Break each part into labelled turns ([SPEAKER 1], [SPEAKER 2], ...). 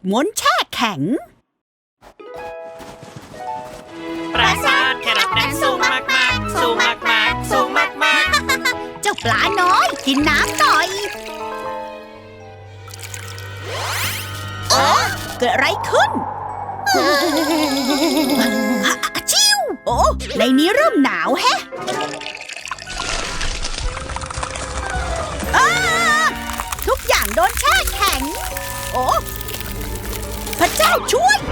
[SPEAKER 1] ม้วนแช่แข็ง
[SPEAKER 2] ปราสาทแครอทนั้นสูงมากๆสูงมากๆสูงมาก
[SPEAKER 1] เจ้าปลาน้อยกินน้ำหน่อยเกิดอะไรขึ้นชิวโอ้ในนี้เริ่มหนาวแฮะทุกอย่างโดนแช่แข็งโอ้พระเจ้าช่วย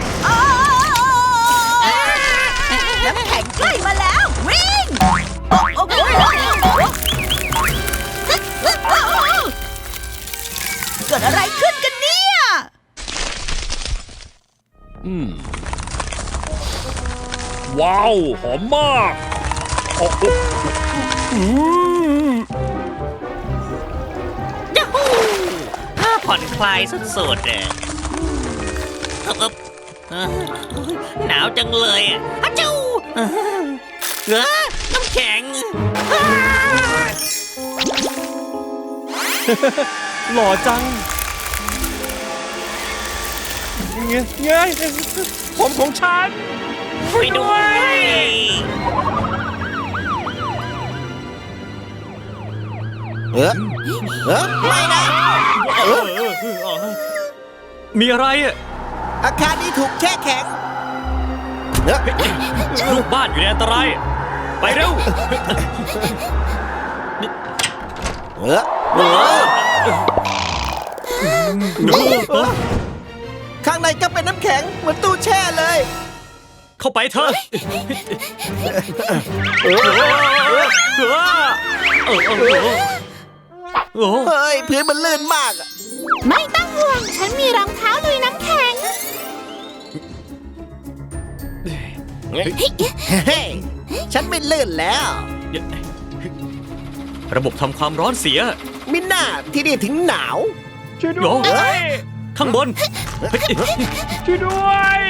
[SPEAKER 1] น้ำแข็งใกล้มาแล้ววิ่งเกิดอะไรขึ้นกันเนี่ย
[SPEAKER 3] ว้าวหอมมาก
[SPEAKER 2] ยูฮูผ่อนคลายสุดๆเลยหนาวจังเลยฮัจจูน้ำแข็ง
[SPEAKER 3] หล่อจังเงยผมของฉัน
[SPEAKER 2] ช่วยด้วย
[SPEAKER 4] ไม่นะ
[SPEAKER 3] มีอะไรอ่ะ
[SPEAKER 4] อาคารนี้ถูกแช่แข็ง
[SPEAKER 3] ลูกบ้านอยู่ในอันตรายไปเร็ว
[SPEAKER 4] ข้างในก็เป็นน้ำแข็งเหมือนตู้แช่เลย
[SPEAKER 3] เข้าไปเถอะ
[SPEAKER 4] เฮ้ยพื้นมันลื่นมาก
[SPEAKER 1] ไม่ต้องห่วงฉันมีรองเท้าลุยน้ำแข็ง
[SPEAKER 4] ฉันไม่ลื่นแล้ว
[SPEAKER 3] ระบบทำความร้อนเสีย
[SPEAKER 4] มิน่าที่นี่ถึงหนาว
[SPEAKER 3] ช่วยด้วยข้างบนช่วยด้วย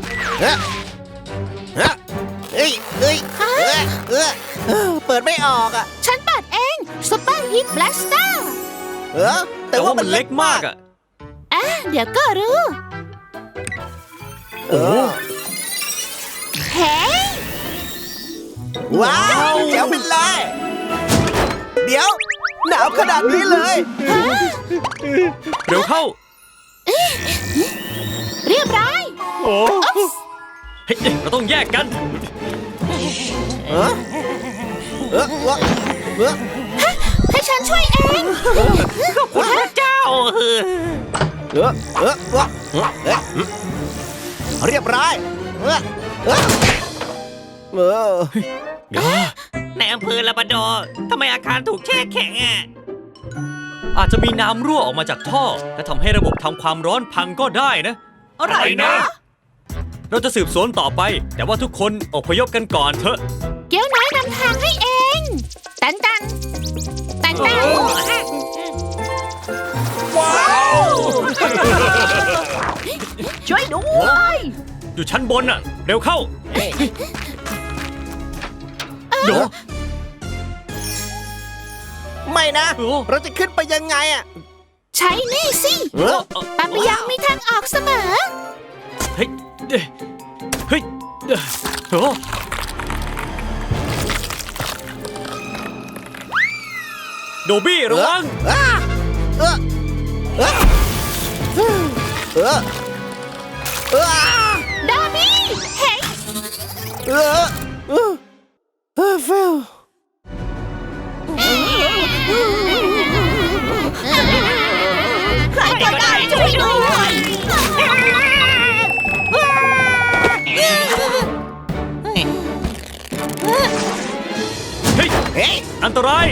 [SPEAKER 4] เปิดไม่ออกอ่ะ
[SPEAKER 1] ฉันเปิดเองซุปเปอร์ฮิตแบล็สเตอร์
[SPEAKER 4] แต่ว่ามันเล็กมาก
[SPEAKER 3] อ่ะ
[SPEAKER 1] เดี๋ยวก็รู้เฮ้
[SPEAKER 4] ว้าวแจ๋วเป็นไรเดี๋ยวหนาวขนาดนี้เลย
[SPEAKER 3] เร็วเข้า
[SPEAKER 1] เรียบร้อย
[SPEAKER 3] โอ้เราต้องแยกกัน
[SPEAKER 1] ให้ฉันช่วยเอง
[SPEAKER 2] ขอบคุณพระเจ้า
[SPEAKER 4] เรียบร้อย
[SPEAKER 2] ในอำเภอลาบราดอร์ทำไมอาคารถูกแช่แข็งอ่ะ
[SPEAKER 3] อาจจะมีน้ำรั่วออกมาจากท่อและทำให้ระบบทำความร้อนพังก็ได้นะ
[SPEAKER 1] อะไรนะ
[SPEAKER 3] เราจะสืบสวนต่อไปแต่ว่าทุกคนอพยพกันก่อนเถอะ
[SPEAKER 1] เกี้ยวน้อยนำทางให้เองตันว้าวช่วยด้วย
[SPEAKER 3] อยู่ชั้นบนน่ะเร็วเข้าเดี๋ยว
[SPEAKER 4] ไม่นะเราจะขึ้นไปยังไงอ่ะ
[SPEAKER 1] ใช้นี่สิปาปิยังมีทางออกเสมอ
[SPEAKER 3] เฮ้ยโดบี้ระวัง
[SPEAKER 1] ดาบี้เฮ้ย
[SPEAKER 4] เฟล
[SPEAKER 1] ใครก็ได้ช่วยด้วย
[SPEAKER 3] เฮ้ยอันตราย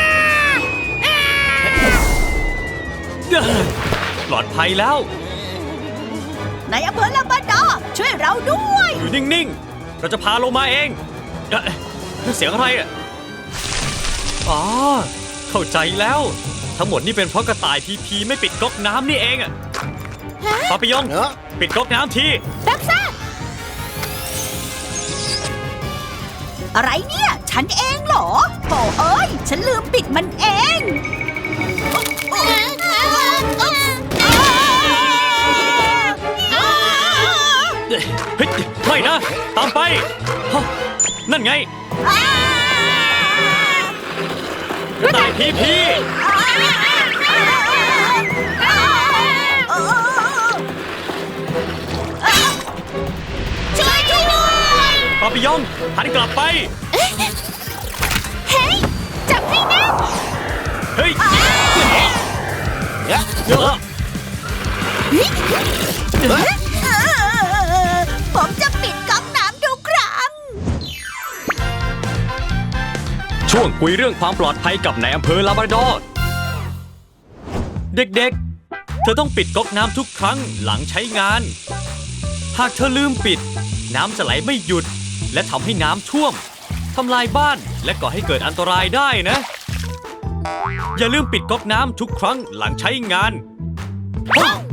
[SPEAKER 3] ปลอดภัยแล้ว
[SPEAKER 1] ในอำเภอลาบราดอร์ช่วยเราด้วย
[SPEAKER 3] อยู่นิ่งๆเราจะพาลงมาเองเสียงอะไรอ่ะอ๋อเข้าใจแล้วทั้งหมดนี่เป็นเพราะกระต่ายพีไม่ปิดก๊อกน้ำนี่เองอ่ะปาปิยองปิดก๊อกน้ำที
[SPEAKER 1] รับทราบอะไรเนี่ยฉันเองเหรอโถ่เอ้ยฉันลืมปิดมันเอง
[SPEAKER 3] นะ ตามไปฮะนั่นไงกระต่ายพีพี
[SPEAKER 1] ช่วยด้วย
[SPEAKER 3] ปาปิยองหันกลับไป
[SPEAKER 1] เฮ้ย จับให้แน่น
[SPEAKER 3] เฮ้ย
[SPEAKER 1] ผมจะปิดก๊อกน้ำทุกครั้ง
[SPEAKER 3] ช่วงคุยเรื่องความปลอดภัยกับนายอำเภอลาบราดอร์เด็กๆ เธอต้องปิดก๊อกน้ำทุกครั้งหลังใช้งาน หากเธอลืมปิด น้ำจะไหลไม่หยุด และทำให้น้ำท่วมทำลายบ้านและก่อให้เกิดอันตรายได้นะ อย่าลืมปิดก๊อกน้ำทุกครั้งหลังใช้งาน